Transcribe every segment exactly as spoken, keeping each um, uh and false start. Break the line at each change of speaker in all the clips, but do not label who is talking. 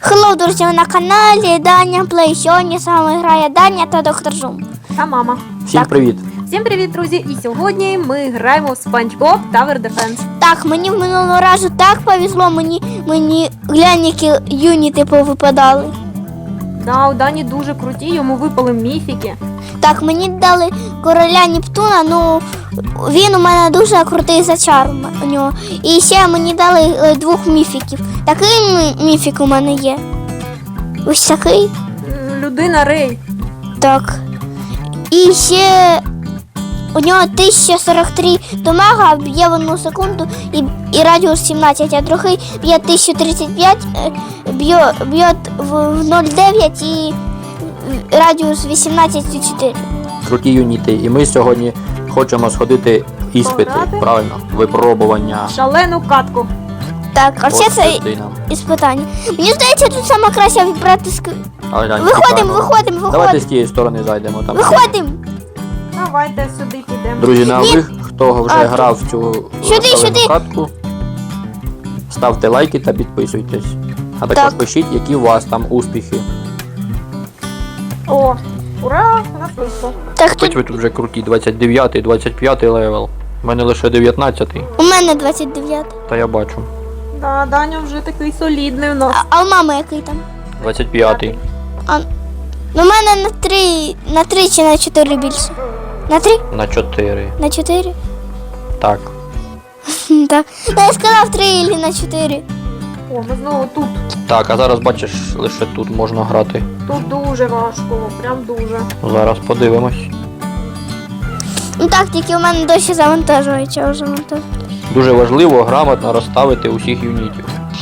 Хеллоу, друзі, ви на каналі Даня Плей. Сьогодні з вами грає Даня та доктор Зум.
Та мама.
Всім
Так.
привіт!
Всім привіт, друзі! І сьогодні ми граємо в SpongeBob Tower Defense.
Так, мені в минулого разу так повезло, мені, мені глянь, які юніти повипадали.
Да, у Дані дуже круті, йому випали міфіки.
Так, мені дали короля Нептуна, ну він у мене дуже крутий зачар у нього. І ще мені дали е, двох міфіків. Такий мі- міфік у мене є. Ось такий.
М, Людина Рей.
Так. І ще у нього тисяча сорок три дамага, б'є в одну секунду і, і радіус сімнадцять, а другий б'є тисяча тридцять п'ять, е, б'є, б'є в в нуль дев'ять і радіус вісімнадцять і чотири.
Круті юніти. І ми сьогодні хочемо сходити іспити,
Пограти?
правильно? Випробування.
Шалену катку.
Так, а все
От
це
дитина.
іспитання. Мені здається, тут саме краще вибрати ск...
Але, глянь,
Виходимо,
тікаємо.
виходимо,
Давайте
виходимо.
з тієї сторони зайдемо. Там.
Виходимо.
Давайте сюди підемо.
Друзі, на
Ні.
ви, хто вже
А,
грав в цю
Сюди,
шалену
сюди.
катку, ставте лайки та підписуйтесь. А також
Так.
пишіть, які у вас там успіхи.
О, ура! У нас вийшло.
Так,
Хоч
тут
ви тут вже круті, двадцять дев'ятий, двадцять п'ятий левел. У мене лише дев'ятнадцятий,
у мене двадцять дев'ять.
та я бачу.
Да, Даня вже такий солідний у нас.
А, а у мами який там?
двадцять п'ятий.
А, ну, у мене на три, на три чи на чотири більше. На три?
На чотири.
На чотири?
Так.
Так. Ну, я сказав три или на чотири.
О, ми знову тут.
Так, а зараз бачиш, лише тут можна грати.
Тут дуже важко, прям дуже.
Зараз подивимось.
Ну так, тільки у мене досі завантажується, вже завантажується.
Дуже важливо грамотно розставити усіх юнітів.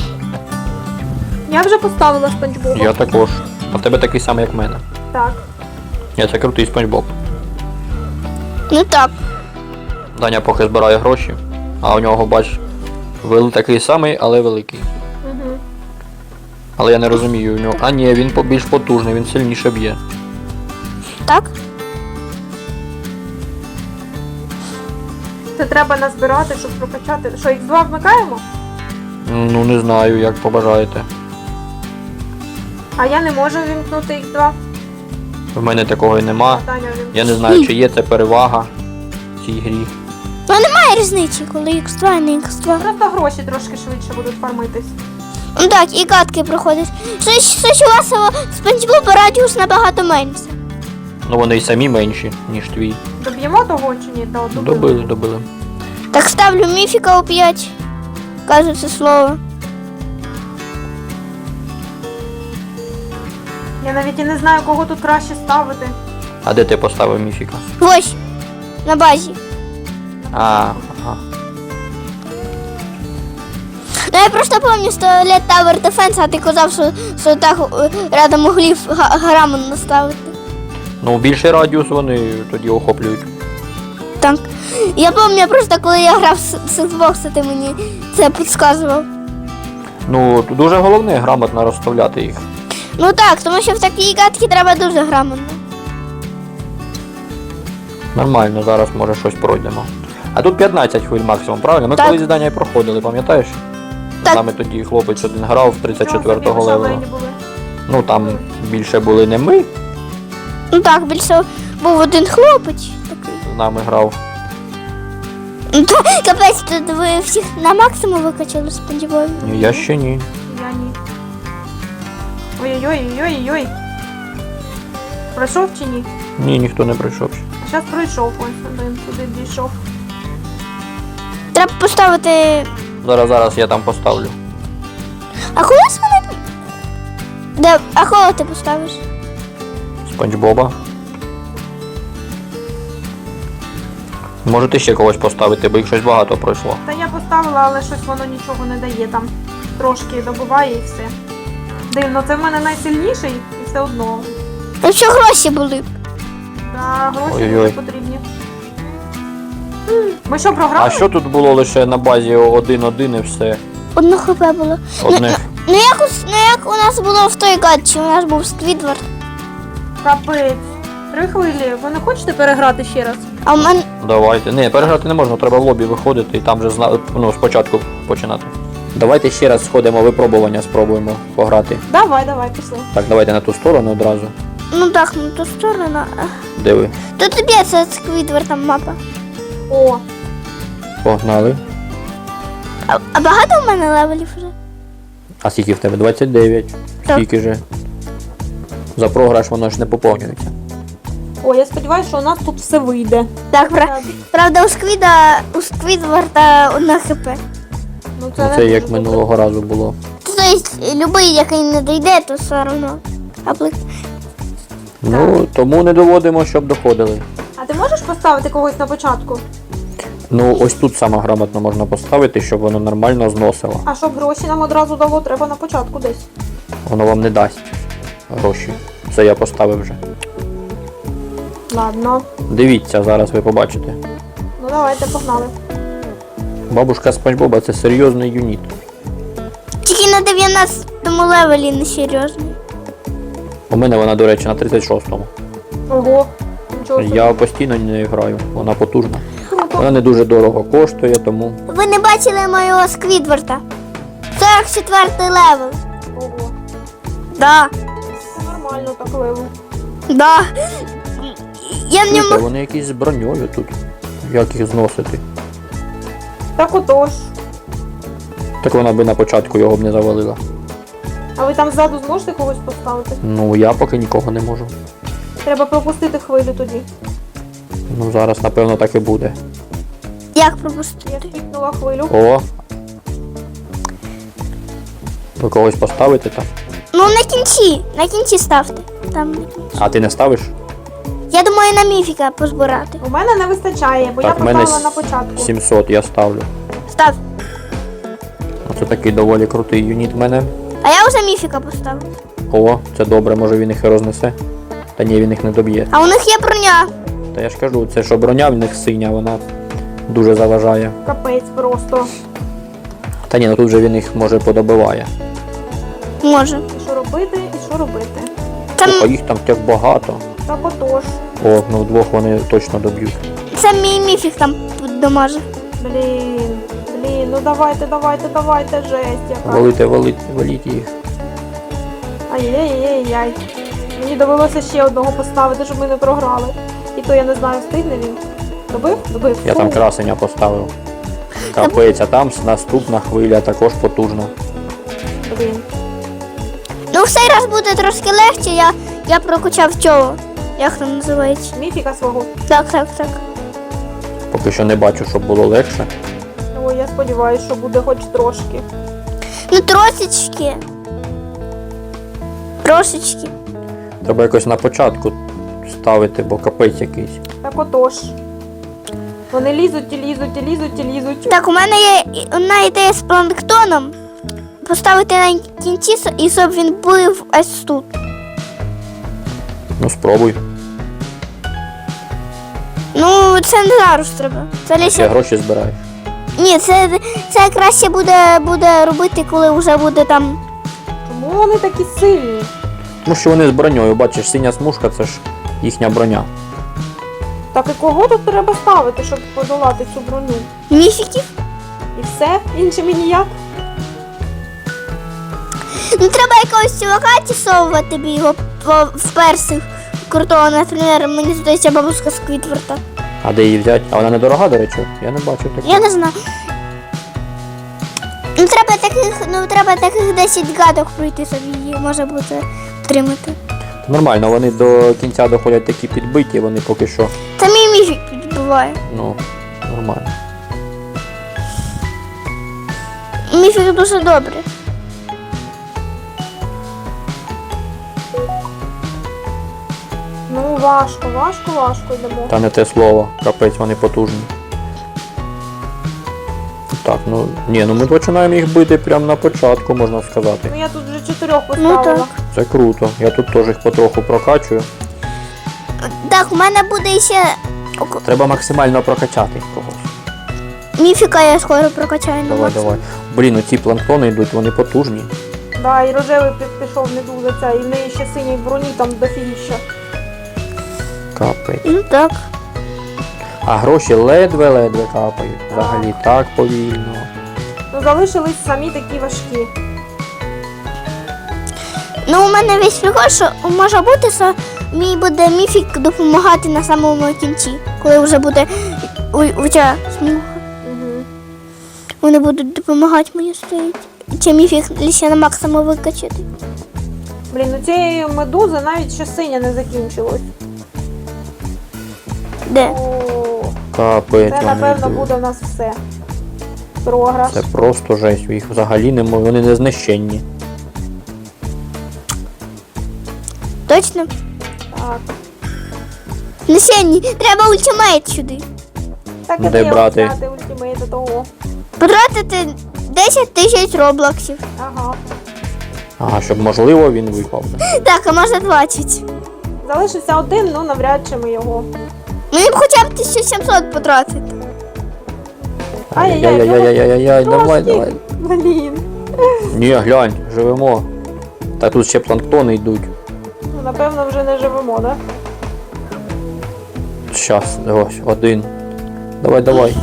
Я вже поставила SpongeBob.
Я також. А в тебе такий самий, як в мене.
Так.
Я це крутий спанчбоб.
Ну так.
Даня поки збирає гроші, а у нього, бач, вел такий самий, але великий.
Угу.
Але я не розумію у нього. А ні, він по- більш потужний, він сильніше б'є.
Так?
Це треба назбирати, щоб прокачати. Що, ікс два вмикаємо?
Ну не знаю, як побажаєте.
А я не можу вімкнути ікс два.
В мене такого і нема.
Даня вімкнув.
Я не знаю, чи є це перевага в цій грі.
Ну немає різниці, коли ікс два і не ікс два.
Просто гроші трошки швидше будуть фармитись.
Ну так, і катки проходять. Щось, щось у вас у SpongeBob радіус набагато менше.
Ну вони й самі менші, ніж твій.
Доб'ємо того чи ні? Да, добили.
Добили, добили.
Так, ставлю міфіка у п'ять. Кажу це слово.
Я навіть і не знаю, кого тут краще ставити.
А де ти поставив міфіка?
Ось, на базі.
А, ага.
Ну я просто пам'ятаю з туалет Tower Defense, а ти казав, що, що так е, рядом углів га- грамон наставити.
Ну більший радіус вони тоді охоплюють.
Так. Я пам'ятаю просто, коли я грав з з Xbox, ти мені це підказував.
Ну, тут дуже головне грамотно розставляти їх.
Ну так, тому що в такій катці треба дуже грамотно.
Нормально, зараз може щось пройдемо. А тут п'ятнадцять хвиль максимум, правильно? Ми
Так.
колись здання і проходили, пам'ятаєш?
Так.
З нами тоді хлопець один грав в тридцять четвертого
Чого собі, ви
левелу.
шалені були?
Ну там більше були не ми,
Ну так, більше був один хлопець такий.
з нами грав.
Ну та, капець, тут ви всіх на максимум викачали сподіваюся.
Ні, я ще ні.
Я ні. Ой-ой-ой-ой-ой-ой. Пройшов чи ні?
Ні, ніхто не прийшов ще.
А зараз пройшов ось один, туди дійшов.
Треба поставити.
Зараз, зараз я там поставлю.
А коли з мене. Де? А кого ти поставиш?
Спанч Боба. Можете ще когось поставити, бо їх щось багато пройшло.
Та я поставила, але щось воно нічого не дає там. Трошки добуває і все. Дивно, це в мене найсильніший і все одно.
Ну що гроші були?
Та гроші
Ой-ой-ой.
дуже потрібні. М, Ми що, програли?
А що тут було лише на базі один-один і все?
Одно хп було.
Одне.
Ну як, у- ну як у нас було в той гаджі, у нас був Сквідвард.
Капець. Три хвилі. Ви не хочете переграти ще раз?
А у мене.
Давайте. Не, переграти не можна, треба в лобі виходити і там вже зна... ну, спочатку починати. Давайте ще раз сходимо випробування, спробуємо пограти.
Давай, давай, пішли.
Так, давайте на ту сторону одразу.
Ну так, ну ту сторону.
Де ви?
То тобі це Сквідвард там мапа.
О,
Погнали.
А, а багато в мене левелів вже?
А скільки в тебе? двадцять дев'ять.
Так.
Скільки же? За програш воно ж не поповнюється.
о, я сподіваюся, що у нас тут все вийде.
Так, пра- правда, у Сквіда, у Сквідварда одна хп.
Ну,
Ну,
не
це як
дуже
минулого разу було.
Тобто, любий, який не дійде, то все одно. Аплик.
Ну, тому не доводимо, щоб доходили.
добре. А ти можеш поставити когось на початку?
Ну, ось тут саме грамотно можна поставити, щоб воно нормально зносило.
А щоб гроші нам одразу дало, треба на початку десь.
Воно вам не дасть гроші. Це я поставив вже.
Ладно.
Дивіться, зараз ви побачите.
Ну давайте, погнали.
Бабушка Спанч Боба це серйозний юніт.
Тільки на дев'яностому левелі не серйозний.
У мене вона, до речі, на тридцять шостому.
Ого. Нічого собі.
Я постійно не граю, вона потужна.
Круто.
Вона не дуже дорого коштує, тому
Ви не бачили моєго Сквідварда? сорок четвертий левел.
Ого.
Да,
Нормально так левел.
да. Я в
Слухай,
ньому.
вони якісь з броньою тут. Як їх зносити?
Так отож.
Так вона би на початку його б не завалила.
А ви там ззаду зможете когось поставити?
Ну я поки нікого не можу.
Треба пропустити хвилю тоді.
Ну зараз напевно так і буде.
Як
Я
пропустити?
скіпнула хвилю.
О! Ви когось поставите там?
Ну на кінці, на кінці ставте. Там на кінці.
А ти не ставиш?
Я думаю, на міфіка позбирати.
У мене не вистачає, бо
Так,
я
в мене
поставила на початку.
сімсот я ставлю.
Став.
Оце такий доволі крутий юніт в мене.
А я вже міфіка поставив.
О, це добре, може він їх і рознесе. Та ні, він їх не доб'є.
А у них є броня.
Та я ж кажу, це що броня в них синя, вона дуже заважає.
Капець просто.
Та ні, ну тут же він їх може подобиває.
Може.
І що робити, і що робити?
Там
А їх там так багато.
Так отож.
О, ну вдвох вони точно доб'ють.
це мій міфік там доможе.
Блін, блін, ну давайте, давайте, давайте, жесть яка.
Валите, валите, валіть їх.
Ай-яй-яй-яй. Мені довелося ще одного поставити, щоб ми не програли. І то я не знаю, встигне він. Добив? Добив.
Я
Фу.
там красення поставив. Капець, а там наступна хвиля також потужна.
Блін.
Ну, в цей раз буде трошки легше, я, я прокачав цього. Як там називається?
Міфіка свого.
Так, так, так.
Поки що не бачу, щоб було легше.
Ой, я сподіваюся, що буде хоч трошки.
Ну, трошечки. Трошечки.
Треба якось на початку ставити, бо капець якийсь.
Так отож. Вони лізуть і лізуть, і лізуть, і лізуть.
Так, у мене є і- одна ідея з планктоном. Поставити на кінці, с- і щоб він був ось тут.
Ну спробуй.
Ну, це не зараз треба. Це
Ще
лише...
гроші збираєш.
Ні, це, це краще буде, буде робити, коли вже буде там.
Чому вони такі сильні?
Тому що вони з броньою, бачиш, синя смужка це ж їхня броня.
Так і кого тут треба ставити, щоб подолати цю броню?
Міфіків.
І все? Іншими ніяк?
Ну, треба якогось чувака тісовувати б його по- в персих крутого, наприклад, мені здається, бабуська Сквідварда.
А де її взяти? А вона недорога, до речі? Я не бачу такого.
Я не знаю. Ну, треба таких, ну, треба таких десять гадок пройти, щоб її може бути отримати.
Нормально, вони до кінця доходять такі підбиті, вони поки що,
Це мій міфік підбиває.
ну, нормально.
Міфік дуже добре.
Ну, важко, важко, важко йдемо.
Та не те слово, капець, вони потужні. Так, ну, ні, ну ми починаємо їх бити прямо на початку, можна сказати.
Ну я тут вже чотирьох
Ну
поставила.
так.
Це круто. Я тут теж їх потроху прокачую.
Так, у мене буде ще
Треба максимально прокачати когось.
міфіка, я скоро прокачаю на
Давай,
максимум.
давай. Блін, оці планктони йдуть, вони потужні.
Да, і рожевий пі- пішов не дуже ця, і в неї ще синій броні там дофігіща.
Капець.
Ну так.
А гроші ледве-ледве капають. Взагалі так повільно.
Ну, залишились самі такі важкі.
Ну, у мене весь прикол, що може бути, що мій буде міфік допомагати на самому кінці, коли вже буде у, у ця смуга.
Угу.
Вони будуть допомагати мені стоїть. Чи міфік ще на максимум викачати.
Блін, у цієї медузи навіть ще синя не закінчилось.
Де?
О,
Капець,
це,
вони
напевно,
йдуть.
буде в нас все. Програш.
Це просто жесть, їх взагалі немає, вони не знищенні.
Точно?
Так.
Несенні, треба ультимейт сюди.
Так
Ну,
і
де
де
брати?
взяти ультимейт до того.
Потратити десять тисяч роблоксів.
Ага.
Ага, щоб можливо він випав.
Так, а може двадцять.
Залишився один, ну навряд чи ми його.
Мені б хоча б тисячу сімсот потратити.
Ай-яй-яй,
Ай-яй-яй-яй-яй, давай,
Трошки.
давай.
Блін.
Ні, глянь, живемо. Та тут ще планктони йдуть.
Ну, напевно, вже не живемо, да?
Щас, ось, один. Давай, давай.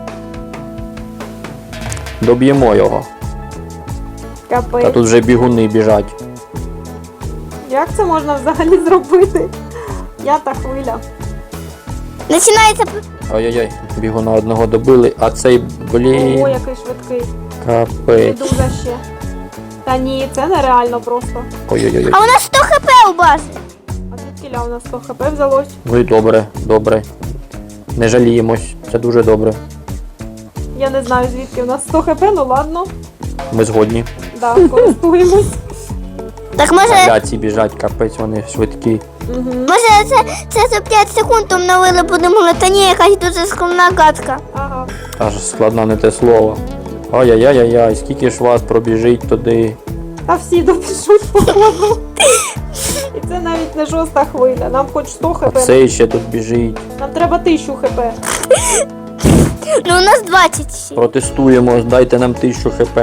Доб'ємо його. Та
Капець.
тут вже бігуни біжать.
Як це можна взагалі зробити? Я та хвиля.
Починається.
Ой-ой-ой, бігуна одного добили, а цей, блін,
Ого, який швидкий.
капець.
Медуза ще. Та ні, це нереально просто.
Ой-ой-ой.
А у нас сто хп у базі.
А звідки у нас сто хп взялось?
Ну і добре, добре. Не жаліємось, це дуже добре.
Я не знаю, звідки у нас сто хп, ну ладно.
Ми згодні.
Да, користуємось.
Так може,
Бля, ці біжать, капець, вони швидкі.
Угу.
може це, це за п'ять секунд обновили, подумали, та ні, якась дуже скромна гадка.
Ага.
Аж складна не те слово. Ой-яй-яй-яй, скільки ж вас пробіжить туди.
Та всі добіжуть походу. І це навіть не шоста хвиля. Нам хоч сто
А
хп.
цей ще тут біжить.
Нам треба тисячу хп.
Ну у нас двадцять ще.
Протестуємо, дайте нам тисячу хп.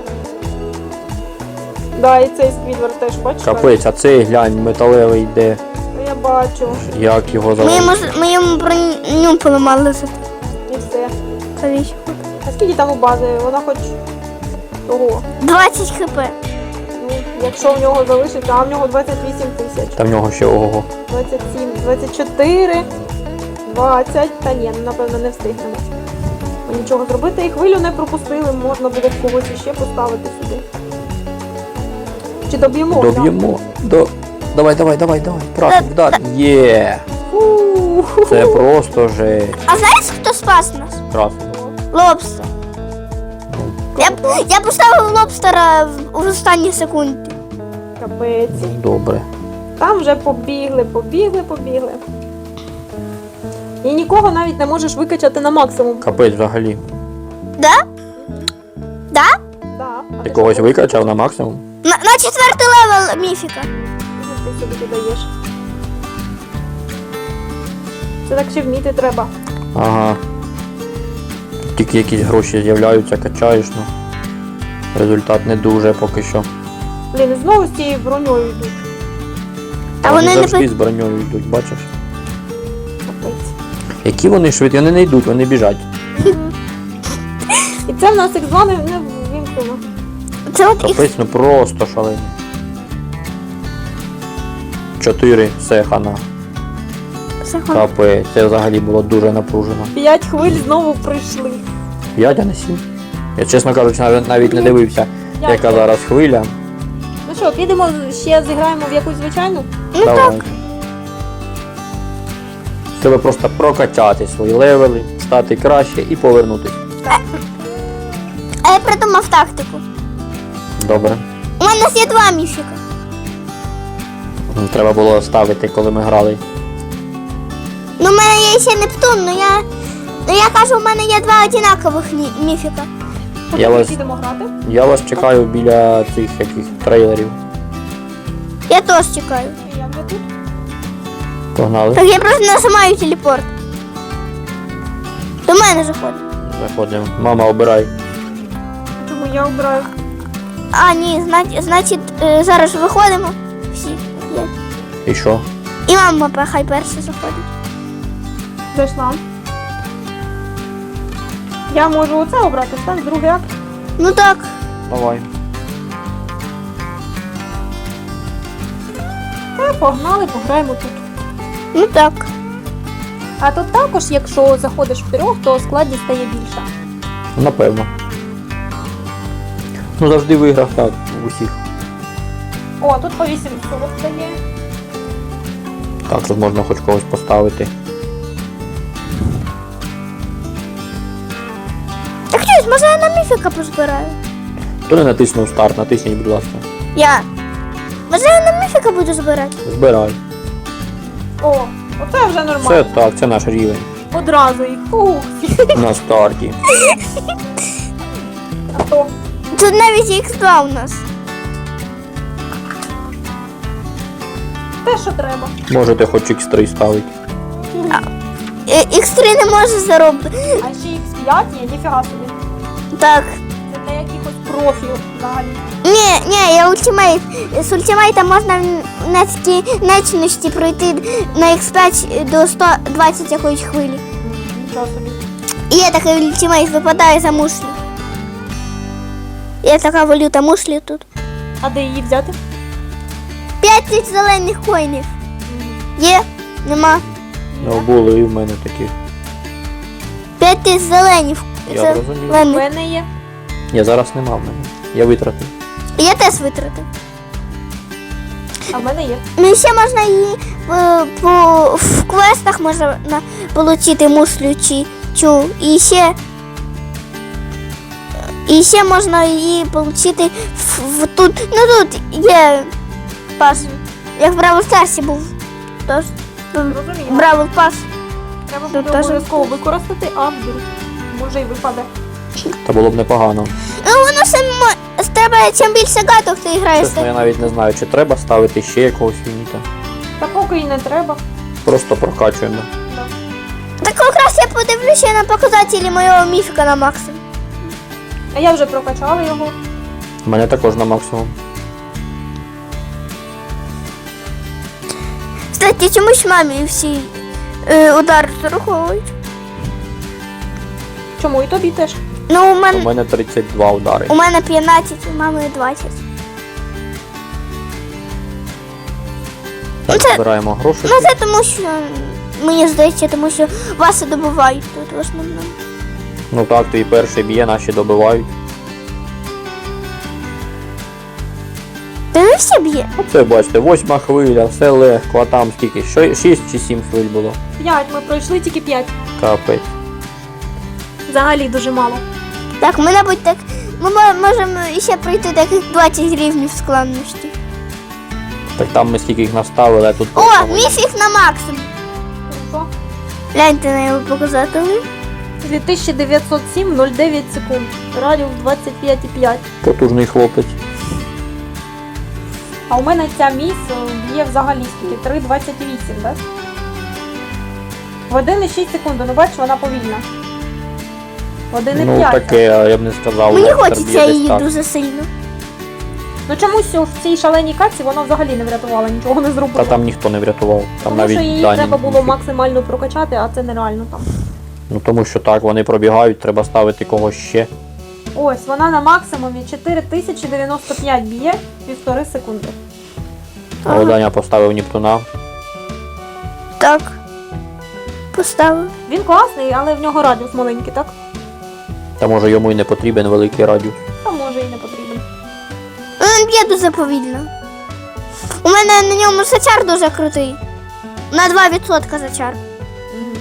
Да, і цей сквідвер теж, бачиш?
Капець, а цей глянь, металевий йде.
Я бачу.
Як його
Ми йому,
залишити?
ми йому броню поламали за
І все.
колись.
А скільки там у бази? Вона хоч того.
двадцять хп.
Ну, якщо в нього залишиться, а в нього двадцять вісім тисяч.
Та в нього ще ого.
двадцять сім, двадцять чотири, двадцять. Та ні, ну, напевно, не встигнемо. Ми нічого зробити. І хвилю не пропустили, можна буде когось іще поставити сюди. Чи доб'ємо?
Доб'ємо. До... Давай, давай, давай, давай. Правда, вдар. Є.
Фу.
Це просто же.
А знаєш, хто спас нас?
Красиво.
Лобстер. Я, б- я поставив лобстера в, в останні секунди.
Капець.
Добре.
Там вже побігли, побігли, побігли. І нікого навіть не можеш викачати на максимум.
Капець взагалі.
Да? Да?
Да. А
Ти
що
когось
робиш?
викачав на максимум?
На, на четвертий левел міфіка.
Ти собі додаєш. Це так ще вміти треба.
Ага. Тільки якісь гроші з'являються, качаєш, ну. Результат не дуже поки що.
Блін, і знову з цією броньою йдуть.
А вони не
завжди
пи-
з броньою йдуть, бачиш?
Капець.
Які вони швидкі, вони не йдуть, вони біжать.
І це в нас ікс два не, не вімкнено.
Це от їх.
Капець, ну просто шалені. Чотири, все, хана. Капець, це взагалі було дуже напружено.
П'ять хвиль знову прийшли.
П'ять, а не сім. Я, чесно кажучи, навіть, навіть не дивився,
П'ять.
яка зараз хвиля.
Ну що, підемо ще зіграємо в якусь звичайну?
Ну так.
Давай. Треба просто прокачати свої левели, стати краще і повернутися.
А я придумав тактику.
Добре.
У мене є два міфіка.
Треба було ставити, коли ми грали.
Ну, у мене є ще Нептун, ну я. Ну я кажу, у мене є два одинакових мі- міфіка.
Поки
Я
ми
вас-
підемо грати.
Я вас чекаю біля цих яких трейлерів.
Я теж чекаю.
Я вже тут.
Погнали.
Так я просто нажимаю телепорт. До мене заходить.
Заходимо. Мама, обирай.
Тому я обираю.
А, ні, значить, значить е, зараз виходимо. Всі. Є.
І що?
І мама хай перша заходить.
Зайшла. Я можу оце обрати, так? Другий акт.
Ну так.
Давай.
Та, погнали, пограємо тут.
Ну так.
А тут також, якщо заходиш в трьох, то складність стає більша.
Напевно. Ну завжди в іграх так, в усіх.
О, тут по вісім сорок дає.
Так, тут можна хоч когось поставити.
Так щось, може я на міфіка позбираю?
Хто не натиснув старт, натисніть, будь ласка.
Я. Може я на міфіка буду збирати?
Збирай.
О, оце вже
Це
нормально.
так, це наш рівень.
Одразу їх. Ух.
На старті.
А то.
Тут навіть ікс два у нас.
Те, що треба.
Можете хоч ікс три ставити.
Е, ікс три не може заробити.
А ще ікс п'ять є, ніфіга собі.
Так.
Це для якихось профілів взагалі.
Ні, ні, я ультимейт. З ультимейта можна в нецькій нечності пройти на ікс п'ять до сто двадцять якоїсь хвилі.
Нічого собі.
І є такий ультимейт, випадає за мушлі. Є така валюта мушлі тут.
А де її взяти?
П'ять тисяч зелених коїнів. Є? Нема.
Ну, були і в мене такі.
П'ять тисяч зеленів.
Я розумію.
У
зелених.
мене є.
Ні, зараз нема в мене. Я витратив.
Я теж витратив.
А в мене є.
Ну і ще можна її е, по, в квестах можна отримати мушлю чи чу. І ще, і ще можна її отримати в, в тут. Ну тут є пас. Як в Бравл Старсі був. Тож
Розумію.
Бравл пас.
Треба
Тут
буде
теж-
обов'язково використати, а вдруг. Може й випаде.
Та було б непогано.
Ну воно само треба, чим більше гаток ти граєш.
Чесно, я навіть не знаю, чи треба ставити ще якогось юніта.
Та поки і не треба.
Просто прокачуємо.
Так якраз я подивлюся на показателі моєго міфіка на максимум.
А я вже прокачала його.
У мене також на максимум.
Кстати, чомусь мамі всі е, удари зараховують.
Чому і тобі теж?
Ну, у
У
мене,
мене тридцять два удари.
у мене п'ятнадцять, у мами двадцять.
Так,
це-
збираємо гроші.
Ну це тому що, мені здається, тому що вас і добувають тут в основному.
Ну так, твій перший б'є, наші добивають.
Та не всі б'є.
Оце бачите, восьма хвиля, все легко, а там скільки? Що- Шість чи сім хвиль було?
П'ять, ми пройшли тільки п'ять.
Капець.
Взагалі дуже мало.
Так, ми, мабуть, так. Ми мо- можемо ще пройти таких двадцять рівнів складності.
Так там ми скільки їх наставили, а тут...
О,
просто-
міфік на максимум.
Хорошо.
Гляньте на його показатели.
дві тисячі дев'ятсот сім нуль дев'ять секунд. Радіус двадцять п'ять і п'ять.
Потужний хлопець.
А у мене ця міс е, б'є взагалі скільки? три двадцять вісім, так? В один і шість секунд, ну бачиш, вона повільна. В один і
Ну
п'ять.
таке, а я б не сказав.
Мені
Лестер
хочеться
б'є десь
її
так.
дуже сильно.
Ну чомусь в цій шаленій каці вона взагалі не врятувала, нічого не зробила.
Та там ніхто не врятував. Там
Тому
навіть
що її
дані.
треба було
ніфіг.
максимально прокачати, а це нереально там.
Ну тому що так, вони пробігають, треба ставити когось ще.
Ось, вона на максимумі чотири тисячі дев'яносто п'ять б'є півтори секунди.
А
Ага.
Даня поставив Нептуна.
Так. Поставив.
Він класний, але в нього радіус маленький, так?
Та може йому й не потрібен великий радіус.
Та може і не потрібен.
Він б'є дуже повільно. У мене на ньому зачар дуже крутий. На два відсотки зачар.
Мгм.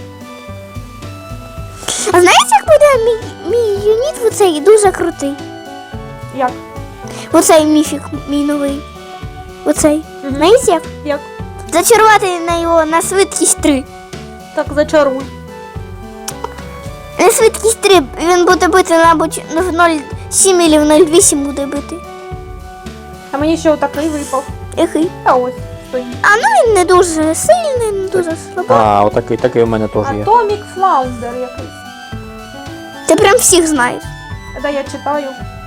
А знаєте, як буде мій, мій юніт оцей дуже крутий?
Як?
Оцей міфік мій новий. Оцей.
Мгм.
Знаєте як?
Як?
Зачарувати на його на швидкість три.
Так зачаруй.
На швидкість три він буде бити, мабуть, ну, в нуль сім або в нуль вісім буде бити.
А мені ще отакий випав.
Який?
А ось стоїть.
А ну він не дуже сильний, не дуже слабий.
А, отакий, такий у мене теж є.
Атомік Флаундер якийсь.
Ти прям всіх знаєш.
Да, я читаю.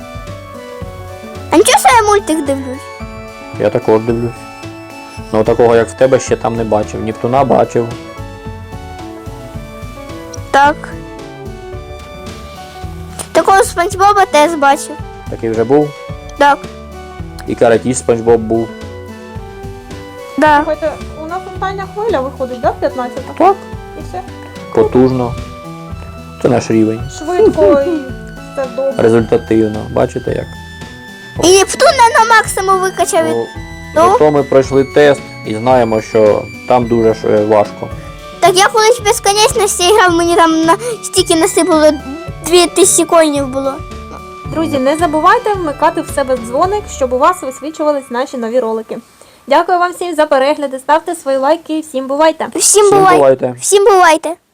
А нічого, що я мультик дивлюсь?
Я також дивлюсь. Ну такого як в тебе ще там не бачив. Нептуна бачив.
Так. Так Такого Спанч Боба теж бачив.
Такий вже був.
Так,
І каратіст Спанч Боб був.
да.
Слухайте, у нас остання хвиля виходить, да, п'ятнадцята?
Так.
І все.
Потужно. Це наш рівень.
Швидко і все добре.
Результативно. Бачите як?
І Нептун не на максимум викачав. від-
Ну,
Ну?
зато ми пройшли тест і знаємо, що там дуже ж, е, важко.
Так я колись в безконечності грав, мені там на стільки насипало дві тисячі коїнів було.
Друзі, не забувайте вмикати в себе дзвоник, щоб у вас висвічувались наші нові ролики. Дякую вам всім за перегляди, ставте свої лайки і всім бувайте!
Всім
Всім
бувайте.
бувайте.
Всім бувайте.